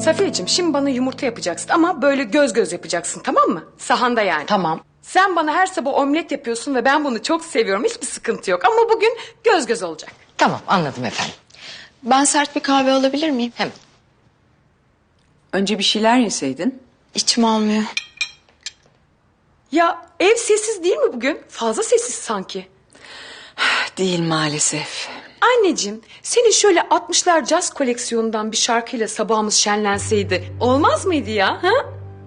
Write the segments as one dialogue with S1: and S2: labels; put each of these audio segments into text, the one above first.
S1: Safiyeciğim şimdi bana yumurta yapacaksın ama böyle göz göz yapacaksın, tamam mı? Sahanda yani.
S2: Tamam.
S1: Sen bana her sabah omlet yapıyorsun ve ben bunu çok seviyorum. Hiçbir sıkıntı yok ama bugün göz göz olacak.
S2: Tamam, anladım efendim.
S3: Ben sert bir kahve alabilir miyim?
S2: Hemen.
S4: Önce bir şeyler yeseydin.
S3: İçim almıyor.
S1: Ya ev sessiz değil mi bugün? Fazla sessiz sanki.
S4: Değil maalesef.
S1: Anneciğim, senin şöyle 60'lar caz koleksiyonundan bir şarkıyla sabahımız şenlenseydi olmaz mıydı ya? Ha?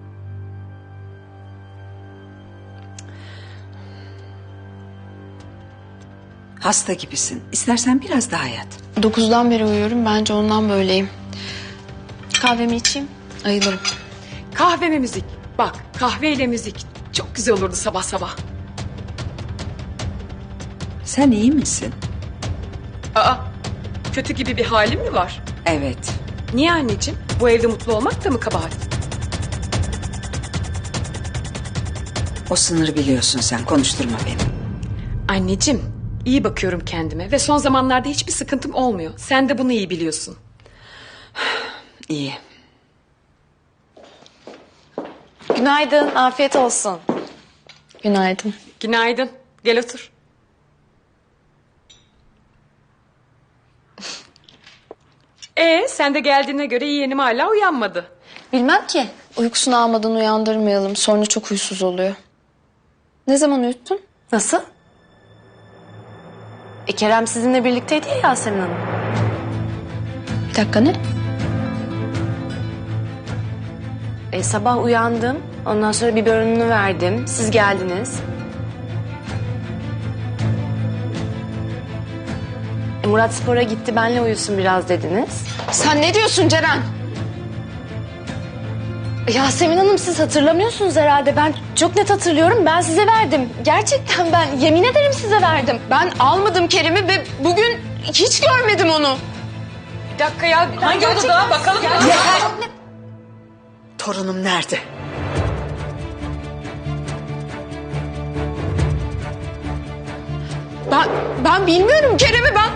S4: Hasta gibisin. İstersen biraz daha yat.
S3: 9'dan beri uyuyorum. Bence ondan böyleyim. Kahvemi içeyim. Ayılırım.
S1: Kahve ve müzik. Bak, kahveyle müzik. Çok güzel olurdu sabah sabah.
S4: Sen iyi misin?
S1: Aa, kötü gibi bir halim mi var?
S4: Evet.
S1: Niye anneciğim? Bu evde mutlu olmak da mı kabahat?
S4: O sınırı biliyorsun sen. Konuşturma beni.
S1: Anneciğim, iyi bakıyorum kendime ve son zamanlarda hiçbir sıkıntım olmuyor. Sen de bunu iyi biliyorsun.
S4: İyi.
S5: Günaydın, afiyet olsun.
S3: Günaydın.
S1: Günaydın. Gel otur. Sen de geldiğine göre yeğenim hala uyanmadı.
S5: Bilmem ki.
S3: Uykusunu almadan uyandırmayalım. Sonra çok huysuz oluyor. Ne zaman uyuttun?
S5: Nasıl? Kerem sizinle birlikteydi ya Yasemin Hanım.
S3: Bir dakika ne?
S5: Sabah uyandım. Ondan sonra biberonunu verdim. Siz geldiniz. Murat spora gitti, benle uyusun biraz dediniz.
S3: Sen ne diyorsun Ceren?
S5: Yasemin Hanım siz hatırlamıyorsunuz herhalde. Ben çok net hatırlıyorum. Ben size verdim. Gerçekten ben yemin ederim size verdim.
S3: Ben almadım Kerim'i ve bugün hiç görmedim onu.
S1: Bir dakika ya. Hangi odada? Bakalım.
S4: Torunum nerede?
S3: Ben bilmiyorum Kerem'i ben.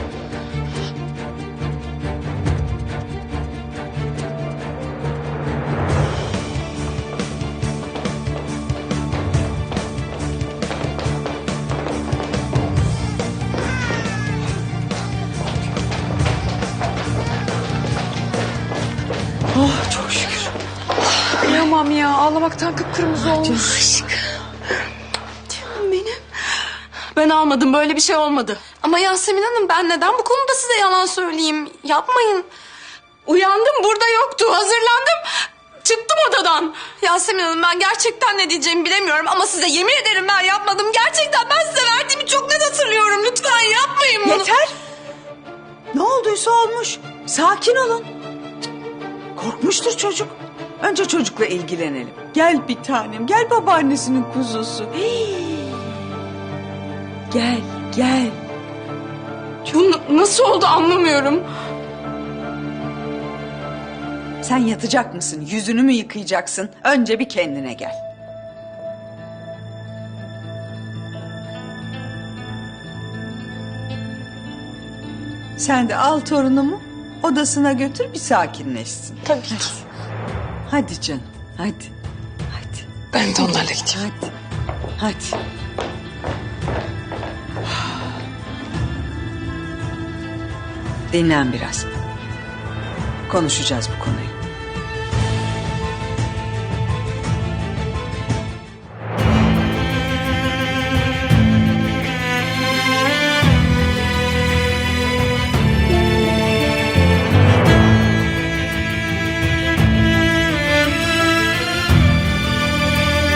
S4: Oh çok şükür.
S1: Kıyamam ya. Ağlamaktan kıpkırmızı olmuş.
S3: Ben almadım, böyle bir şey olmadı. Ama Yasemin Hanım, ben neden bu konuda size yalan söyleyeyim? Yapmayın. Uyandım, burada yoktu. Hazırlandım. Çıktım odadan. Yasemin Hanım, ben gerçekten ne diyeceğimi bilemiyorum ama size yemin ederim ben yapmadım. Gerçekten ben size verdiğimi çok net hatırlıyorum. Lütfen yapmayın bunu.
S4: Yeter. Ne olduysa olmuş. Sakin olun. Korkmuştur çocuk. Önce çocukla ilgilenelim. Gel bir tanem. Gel babaannesinin kuzusu. Hii. Gel, gel.
S3: Bu nasıl oldu anlamıyorum.
S4: Sen yatacak mısın? Yüzünü mü yıkayacaksın? Önce bir kendine gel. Sen de al torunumu odasına götür bir sakinleşsin.
S3: Tabii ki.
S4: Hadi canım, hadi. Hadi,
S3: Ben de onlarla gideyim.
S4: hadi. Hadi. Dinlen biraz. Konuşacağız bu konuyu.